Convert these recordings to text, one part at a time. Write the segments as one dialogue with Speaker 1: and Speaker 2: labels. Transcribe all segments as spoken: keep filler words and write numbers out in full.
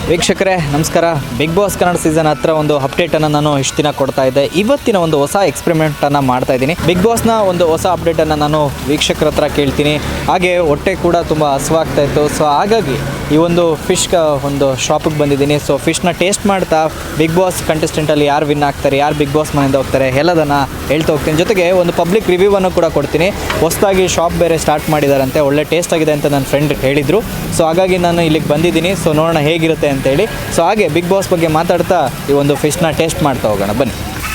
Speaker 1: ವೀಕ್ಷಕರೇ ನಮಸ್ಕಾರ. Big boss Kannada season ಹತ್ರ ಒಂದು ಅಪ್ಡೇಟನ್ನು ನಾನು ಇಷ್ಟು ದಿನ ಕೊಡ್ತಾ ಇದ್ದೆ. ಇವತ್ತಿನ ಒಂದು ಹೊಸ ಎಕ್ಸ್ಪೆರಿಮೆಂಟನ್ನು ಮಾಡ್ತಾ ಇದ್ದೀನಿ. ಬಿಗ್ ಬಾಸ್ನ ಒಂದು ಹೊಸ ಅಪ್ಡೇಟನ್ನು ನಾನು ವೀಕ್ಷಕರ ಹತ್ರ ಕೇಳ್ತೀನಿ. ಹಾಗೆ ಹೊಟ್ಟೆ ಕೂಡ ತುಂಬ ಹಸುವಾಗ್ತಾ ಇತ್ತು. ಸೊ ಹಾಗಾಗಿ ಈ ಒಂದು ಫಿಶ್ ಒಂದು ಶಾಪಿಗೆ ಬಂದಿದ್ದೀನಿ. ಸೊ ಫಿಶ್ನ ಟೇಸ್ಟ್ ಮಾಡ್ತಾ ಬಿಗ್ ಬಾಸ್ ಕಂಟೆಸ್ಟೆಂಟಲ್ಲಿ ಯಾರು ವಿನ್ ಆಗ್ತಾರೆ, ಯಾರು ಬಿಗ್ ಬಾಸ್ ಮನೆಯಿಂದ ಹೋಗ್ತಾರೆ ಎಲ್ಲದನ್ನು ಹೇಳ್ತಾ ಹೋಗ್ತೀನಿ. ಜೊತೆಗೆ ಒಂದು ಪಬ್ಲಿಕ್ ರಿವ್ಯೂವನ್ನು ಕೂಡ ಕೊಡ್ತೀನಿ. ಹೊಸದಾಗಿ ಶಾಪ್ ಬೇರೆ ಸ್ಟಾರ್ಟ್ ಮಾಡಿದಾರಂತೆ, ಒಳ್ಳೆ ಟೇಸ್ಟ್ ಆಗಿದೆ ಅಂತ ನನ್ನ ಫ್ರೆಂಡ್ ಹೇಳಿದರು. ಸೊ ಹಾಗಾಗಿ ನಾನು ಇಲ್ಲಿಗೆ ಬಂದಿದ್ದೀನಿ. ಸೊ ನೋಡೋಣ ಹೇಗಿರುತ್ತೆ ಅಂತೇಳಿ. ಸೊ ಹಾಗೆ ಬಿಗ್ ಬಾಸ್ ಬಗ್ಗೆ ಮಾತಾಡ್ತಾ ಈ ಒಂದು ಫಿಶ್ನ ಟೇಸ್ಟ್ ಮಾಡ್ತಾ ಹೋಗೋಣ ಬನ್ನಿ.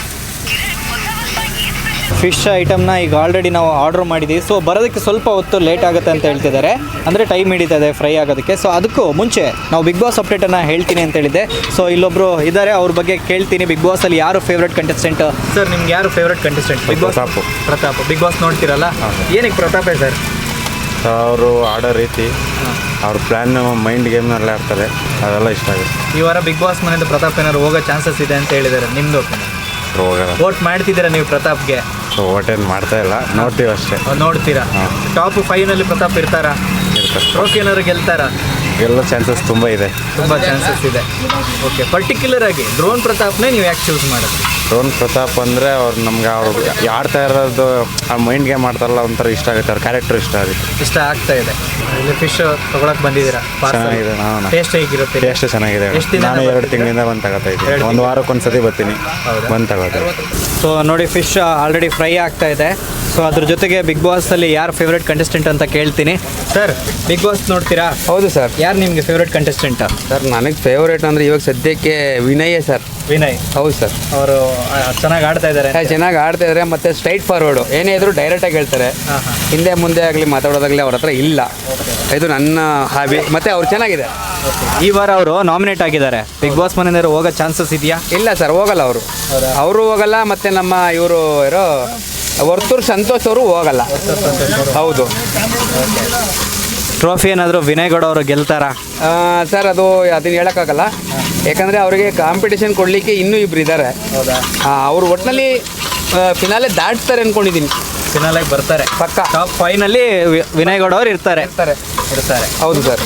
Speaker 1: ಫಿಶ್ ಐಟಮ್ನ ಈಗ ಆಲ್ರೆಡಿ ನಾವು ಆರ್ಡ್ರ್ ಮಾಡಿದ್ದೀವಿ. ಸೊ ಬರೋದಕ್ಕೆ ಸ್ವಲ್ಪ ಹೊತ್ತು ಲೇಟ್ ಆಗುತ್ತೆ ಅಂತ ಹೇಳ್ತಿದ್ದಾರೆ, ಅಂದರೆ ಟೈಮ್ ಹಿಡಿತದೆ ಫ್ರೈ ಆಗೋದಕ್ಕೆ. ಸೊ ಅದಕ್ಕೂ ಮುಂಚೆ ನಾವು ಬಿಗ್ ಬಾಸ್ ಅಪ್ಡೇಟನ್ನು ಹೇಳ್ತೀನಿ ಅಂತ ಹೇಳಿದ್ದೆ. ಸೊ ಇಲ್ಲೊಬ್ಬರು ಇದ್ದಾರೆ, ಅವ್ರ ಬಗ್ಗೆ ಕೇಳ್ತೀನಿ. ಬಿಗ್ ಬಾಸಲ್ಲಿ ಯಾರು ಫೇವ್ರೇಟ್ ಕಂಟೆಸ್ಟೆಂಟ್ ಸರ್? ನಿಮ್ಗೆ ಯಾರು favourite contestant big boss? Pratap. Pratap big boss ನೋಡ್ತೀರಲ್ಲ, ಏನಕ್ಕೆ ಪ್ರತಾಪೇ ಸರ್?
Speaker 2: ಅವರು ಆಡೋ ರೀತಿ, ಅವ್ರ ಪ್ಲ್ಯಾನ್ ಮೈಂಡ್ ಗೇಮ್ನೆಲ್ಲ ಆಡ್ತಾರೆ, ಅದೆಲ್ಲ ಇಷ್ಟ ಆಗುತ್ತೆ.
Speaker 1: ಈ ವಾರ ಬಿಗ್ ಬಾಸ್ ಮನೆಯಿಂದ ಪ್ರತಾಪ್ ಏನಾದ್ರು ಹೋಗೋ ಚಾನ್ಸಸ್ ಇದೆ ಅಂತ ಹೇಳಿದ್ದಾರೆ, ನಿಮ್ಮದು
Speaker 2: ಹೋಗಲ್ಲ.
Speaker 1: ವೋಟ್ ಮಾಡ್ತಿದ್ದೀರಾ ನೀವು ಪ್ರತಾಪ್ಗೆ?
Speaker 2: ವೋಟ್ ಏನು ಮಾಡ್ತಾ ಇಲ್ಲ, ನೋಡ್ತೀವಿ ಅಷ್ಟೇ.
Speaker 1: ನೋಡ್ತೀರಾ? ಟಾಪ್ ಫೈವ್ನಲ್ಲಿ ಪ್ರತಾಪ್ ಇರ್ತಾರಾ?
Speaker 2: ಇರ್ತಾರೆ.
Speaker 1: ಟ್ರೋಫಿ ಏನಾದ್ರು ಗೆಲ್ತಾರಾ?
Speaker 2: ಗೆಲ್ಲೋ ಚಾನ್ಸಸ್ ತುಂಬ ಇದೆ.
Speaker 1: ತುಂಬ ಚಾನ್ಸಸ್ ಇದೆ. ಓಕೆ, ಪರ್ಟಿಕ್ಯುಲರ್ ಆಗಿ ಡ್ರೋನ್ ಪ್ರತಾಪ್ನೇ ನೀವು ಯಾಕೆ ಚೂಸ್ ಮಾಡಿದ್ರಿ?
Speaker 2: ಡ್ರೋನ್ ಪ್ರತಾಪ್ ಅಂದರೆ ಅವ್ರು ನಮ್ಗೆ ಅವ್ರು ಆಡ್ತಾ ಇರೋದು ಆ ಮೈಂಡ್ ಗೇಮ್ ಆಡ್ತಾರಲ್ಲ, ಒಂಥರ ಇಷ್ಟ ಆಗುತ್ತೆ. ಅವ್ರ ಕ್ಯಾರೆಕ್ಟರ್ ಇಷ್ಟ ಆಗುತ್ತೆ,
Speaker 1: ಇಷ್ಟ ಆಗ್ತಾ ಇದೆ. ಇಲ್ಲಿ ಫಿಶ್ ತೊಗೊಳಕ್ ಬಂದಿದ್ದೀರಾ?
Speaker 2: ಚೆನ್ನಾಗಿದೆ. ನಾನು
Speaker 1: ಟೇಸ್ಟ್ ಹೇಗಿರುತ್ತೆ?
Speaker 2: ಟೇಸ್ಟ್ ಚೆನ್ನಾಗಿದೆ. ನಾನು ಎರಡು ತಿಂಗಳಿಂದ ಬಂದು ತಗೋತಾ ಇದ್ದೀನಿ. ಒಂದು ವಾರಕ್ಕೆ ಒಂದು ಸತಿ ಬರ್ತೀನಿ, ಬಂದು ತಗೋತೀನಿ.
Speaker 1: ಸೊ ನೋಡಿ, ಫಿಶ್ ಆಲ್ರೆಡಿ ಫ್ರೈ ಆಗ್ತಾ ಇದೆ. ಸೊ ಅದ್ರ ಜೊತೆಗೆ ಬಿಗ್ ಬಾಸಲ್ಲಿ ಯಾರು ಫೇವ್ರೇಟ್ ಕಂಟೆಸ್ಟೆಂಟ್ ಅಂತ ಕೇಳ್ತೀನಿ. ಸರ್, ಬಿಗ್ ಬಾಸ್ ನೋಡ್ತೀರಾ?
Speaker 3: ಹೌದು ಸರ್.
Speaker 1: ಯಾರು ನಿಮಗೆ ಫೇವ್ರೇಟ್ ಕಂಟೆಸ್ಟೆಂಟ್?
Speaker 3: ಸರ್ ನನಗೆ ಫೇವ್ರೇಟ್ ಅಂದರೆ ಇವಾಗ ಸದ್ಯಕ್ಕೆ ವಿನಯೇ ಸರ್.
Speaker 1: ವಿನಯ್?
Speaker 3: ಹೌದು ಸರ್.
Speaker 1: ಅವರು ಚೆನ್ನಾಗಿ ಆಡ್ತಾ ಇದ್ದಾರೆ.
Speaker 3: ಚೆನ್ನಾಗಿ ಆಡ್ತಾ ಇದ್ದಾರೆ, ಮತ್ತು ಸ್ಟ್ರೈಟ್ ಫಾರ್ವರ್ಡು, ಏನೇ ಇದ್ರು ಡೈರೆಕ್ಟಾಗಿ ಹೇಳ್ತಾರೆ. ಹಿಂದೆ ಮುಂದೆ ಆಗಲಿ ಮಾತಾಡೋದಾಗಲಿ ಅವ್ರ ಹತ್ರ ಇಲ್ಲ. ಇದು ನನ್ನ ಹಾಬಿ, ಮತ್ತು ಅವ್ರು ಚೆನ್ನಾಗಿದೆ.
Speaker 1: ಈ ವಾರ ಅವರು ನಾಮಿನೇಟ್ ಆಗಿದ್ದಾರೆ. ಬಿಗ್ ಬಾಸ್ ಮನೆಯಿಂದ ಹೋಗೋ ಚಾನ್ಸಸ್ ಇದೆಯಾ?
Speaker 3: ಇಲ್ಲ ಸರ್, ಹೋಗಲ್ಲ ಅವರು. ಅವರು ಹೋಗಲ್ಲ, ಮತ್ತು ನಮ್ಮ ಇವರು ಇರೋ ವರ್ತೂರು ಸಂತೋಷ್ ಅವರು ಹೋಗಲ್ಲ. ಹೌದು.
Speaker 1: ಟ್ರೋಫಿ ಏನಾದರೂ ವಿನಯ್ ಗೌಡ ಅವರು ಗೆಲ್ತಾರಾ?
Speaker 3: ಸರ್ ಅದು ಅದನ್ನು ಹೇಳೋಕ್ಕಾಗಲ್ಲ, ಯಾಕಂದರೆ ಅವರಿಗೆ ಕಾಂಪಿಟೇಷನ್ ಕೊಡಲಿಕ್ಕೆ ಇನ್ನೂ ಇಬ್ಬರು ಇದ್ದಾರೆ. ಅವರು ಒಟ್ಟಿನಲ್ಲಿ ಫಿನಾಲೆ ದಾಟ್ತಾರೆ ಅಂದ್ಕೊಂಡಿದ್ದೀನಿ.
Speaker 1: ಫಿನಾಲೆಗೆ ಬರ್ತಾರೆ
Speaker 3: ಪಕ್ಕ.
Speaker 1: ಟಾಪ್ ಫೈವ್ನಲ್ಲಿ ವಿನಯ್ ಗೌಡ ಅವರು ಇರ್ತಾರೆ
Speaker 3: ಇರ್ತಾರೆ
Speaker 1: ಇರ್ತಾರೆ
Speaker 3: ಹೌದು ಸರ್.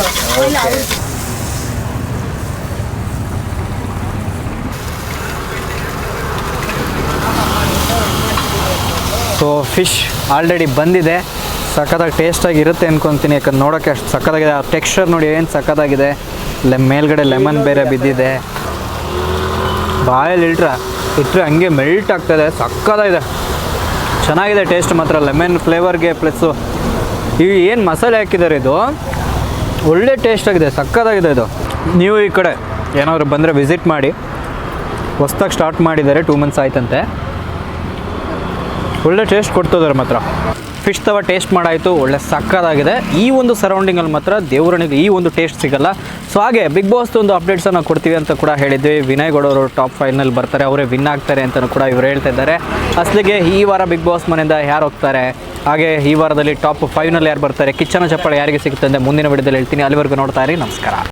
Speaker 1: ಸೊ ಫಿಶ್ ಆಲ್ರೆಡಿ ಬಂದಿದೆ. ಸಖತ್ತಾಗಿ ಟೇಸ್ಟಾಗಿ ಇರುತ್ತೆ ಅನ್ಕೊತೀನಿ, ಯಾಕಂದ್ರೆ ನೋಡೋಕ್ಕೆ ಅಷ್ಟು ಸಖತ್ತಾಗಿದೆ. ಆ ಟೆಕ್ಸ್ಚರ್ ನೋಡಿ ಏನು ಸಖತ್ತಾಗಿದೆ. ಲೆ ಮೇಲ್ಗಡೆ ಲೆಮನ್ ಬೇರೆ ಬಿದ್ದಿದೆ. ಬಾಯಲ್ಲಿ ಇಟ್ರೆ ಇಟ್ಟರೆ ಹಂಗೆ ಮೆಲ್ಟ್ ಆಗ್ತಾಯಿದೆ. ಸಖತ್ತಾಗಿದೆ, ಚೆನ್ನಾಗಿದೆ ಟೇಸ್ಟ್ ಮಾತ್ರ. ಲೆಮನ್ ಫ್ಲೇವರ್ಗೆ ಪ್ಲಸ್ಸು ಇವು ಏನು ಮಸಾಲೆ ಹಾಕಿದ್ದಾರೆ, ಇದು ಒಳ್ಳೆ ಟೇಸ್ಟ್ ಆಗಿದೆ, ಸಖತ್ತಾಗಿದೆ. ಇದು ನೀವು ಈ ಕಡೆ ಏನಾದರೂ ಬಂದರೆ ವಿಸಿಟ್ ಮಾಡಿ. ಹೊಸ್ದಾಗಿ ಸ್ಟಾರ್ಟ್ ಮಾಡಿದ್ದಾರೆ, ಟೂ ಮಂತ್ಸ್ ಆಯ್ತಂತೆ. ಒಳ್ಳೆ ಟೇಸ್ಟ್ ಕೊಡ್ತಿದ್ದಾರೆ ಮಾತ್ರ. ಫಿಶ್ ತವ ಟೇಸ್ಟ್ ಮಾಡಾಯಿತು, ಒಳ್ಳೆ ಸಕ್ಕತ್ತಾಗಿದೆ. ಈ ಒಂದು ಸರೌಂಡಿಂಗಲ್ಲಿ ಮಾತ್ರ ದೇವರಣಿಗೆ ಈ ಒಂದು ಟೇಸ್ಟ್ ಸಿಗಲ್ಲ. ಸೊ ಹಾಗೆ ಬಿಗ್ ಬಾಸ್ ಒಂದು ಅಪ್ಡೇಟ್ಸನ್ನು ಕೊಡ್ತೀವಿ ಅಂತ ಕೂಡ ಹೇಳಿದ್ವಿ. ವಿನಯ್ ಗೌಡ ಅವರು ಟಾಪ್ ಫೈವ್ನಲ್ಲಿ ಬರ್ತಾರೆ, ಅವರೇ ವಿನ್ ಆಗ್ತಾರೆ ಅಂತಲೂ ಕೂಡ ಇವರು ಹೇಳ್ತಾ ಇದ್ದಾರೆ. ಅಸಲಿಗೆ ಈ ವಾರ ಬಿಗ್ ಬಾಸ್ ಮನೆಯಿಂದ ಯಾರು ಹೋಗ್ತಾರೆ, ಹಾಗೆ ಈ ವಾರದಲ್ಲಿ ಟಾಪ್ ಫೈವ್ನಲ್ಲಿ ಯಾರು ಬರ್ತಾರೆ, ಕಿಚ್ಚನ ಚಪ್ಪಾಳೆ ಯಾರಿಗೆ ಸಿಗುತ್ತೆ ಅಂತ ಮುಂದಿನ ವಿಡಿಯೋದಲ್ಲಿ ಹೇಳ್ತೀನಿ. ಅಲ್ಲಿವರೆಗೂ ನೋಡ್ತಾ ಇರಿ. ನಮಸ್ಕಾರ.